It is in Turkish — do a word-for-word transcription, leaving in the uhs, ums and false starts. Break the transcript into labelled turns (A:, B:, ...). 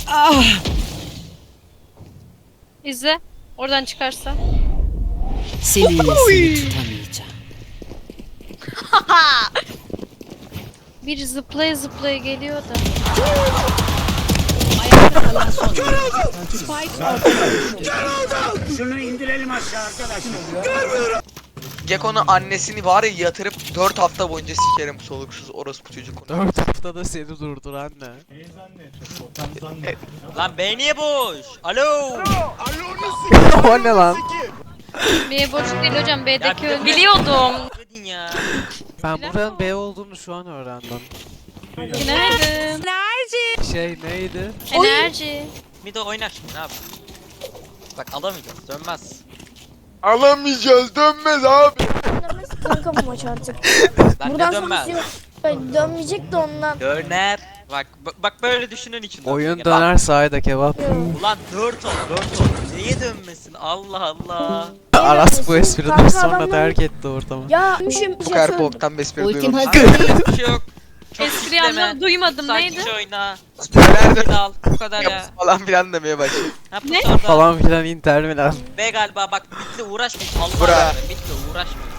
A: Ah!
B: İzle. Oradan çıkarsa.
A: Seni seni tutamayacağım.
B: Bir zıplaya zıplaya geliyor da.
A: Ayakta kalan son.
C: Şunu indirelim aşağı arkadaşlar.
D: Gekko'nun annesini var ya yatırıp dört hafta boyunca sikerim soluksuz orospu çocuk.
E: dört haftada seni durduran ne?
F: Lan B niye boş? Alo.
E: O ne lan?
B: B boş değil hocam. B'deki
F: Ya,
B: öldü. Biliyordum.
F: Dedin ya.
E: Ben buranın B olduğunu şu an öğrendim.
B: Günaydın.
E: Şey neydi?
B: Enerji.
F: Mido oynar şimdi ne yapayım? Bak alamayacağız dönmez.
D: Alamayacağız dönmez abi.
G: Dönmez kanka bu maç artık.
F: Lan
G: Buradan
F: ne dönmez?
G: sonrası yok. Ben dönmeyecek de ondan.
F: Döner. Bak bak- bak böyle düşünün için.
E: Oyun döner sahide kebap.
F: Ulan dört ol dört ol. Neye dönmesin Allah Allah.
E: Aras bu espriden
G: Kanka
E: sonra
G: adamlar-
E: terk etti ortamı.
G: Ya müşüm.
D: Bu kadar boktan bespri
A: Ultim
D: duymamış.
A: hazır.
F: Hiçbir şey yok. Çok
B: Espri
F: kitleme.
B: anlam duymadım.
F: Sakin
B: Neydi?
F: oyna.
D: Nerede
F: Bir al bu kadar ya.
D: falan filan demeye başladı.
F: Ha,
B: Ne?
F: orada.
E: Falan filan Inter Milan.
F: B galiba bak bitti uğraşmayın. Allah
D: Bura.
F: aşkına bitti uğraşmayın.